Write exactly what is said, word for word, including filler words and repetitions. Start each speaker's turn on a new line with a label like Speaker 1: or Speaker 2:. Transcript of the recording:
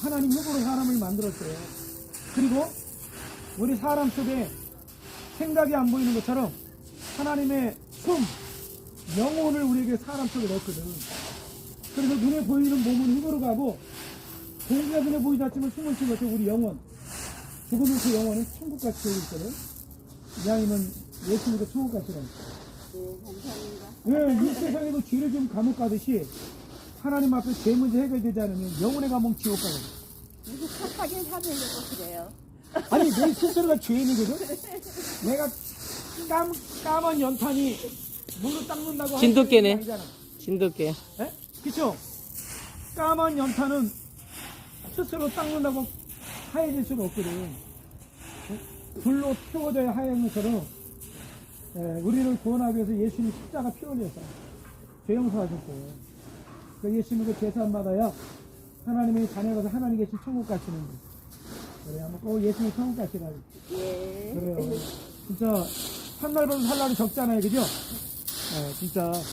Speaker 1: 하나님 흙으로 사람을 만들었어요. 그리고 우리 사람 속에 생각이 안 보이는 것처럼 하나님의 숨, 영혼을 우리에게 사람 속에 넣었거든. 그래서 눈에 보이는 몸은 흙으로 가고 공기가 눈에 보이지 않지만 숨을 쉬는 것처럼 우리 영혼, 죽으면 그 영혼은 천국같이 되어 있거든. 이왕이면 예수님도 천국같이라고.
Speaker 2: 네, 감사합니다.
Speaker 1: 예, 이 세상에도 죄를 좀 감옥 가듯이 하나님 앞에 죄 문제 해결되지 않으면 영혼의 감옥 지옥 가거든.
Speaker 2: 무슨 착하게 살려고 그래요.
Speaker 1: 아니, 내 스스로가 죄인이거든? 내가 까, 까만 연탄이 물로 닦는다고
Speaker 3: 진돗개네.
Speaker 1: 하는 게 아니잖아.
Speaker 3: 진돗개.
Speaker 1: 예? 그쵸? 까만 연탄은 스스로 닦는다고 하얘질 수는 없거든. 예? 불로 태워져야 하얀 것처럼, 예, 우리를 구원하기 위해서 예수님 십자가 피 흘려서 죄 용서하셨어요. 그 예수님 그 제사함마다야 하나님의 자녀가서 하나님 계신 천국 가시는 거. 그래, 한번 꼭 예수님 천국 가시라고.
Speaker 2: 예.
Speaker 1: 그래요. 진짜, 한 날보다 한 날이 적잖아요. 그죠? 예, 진짜.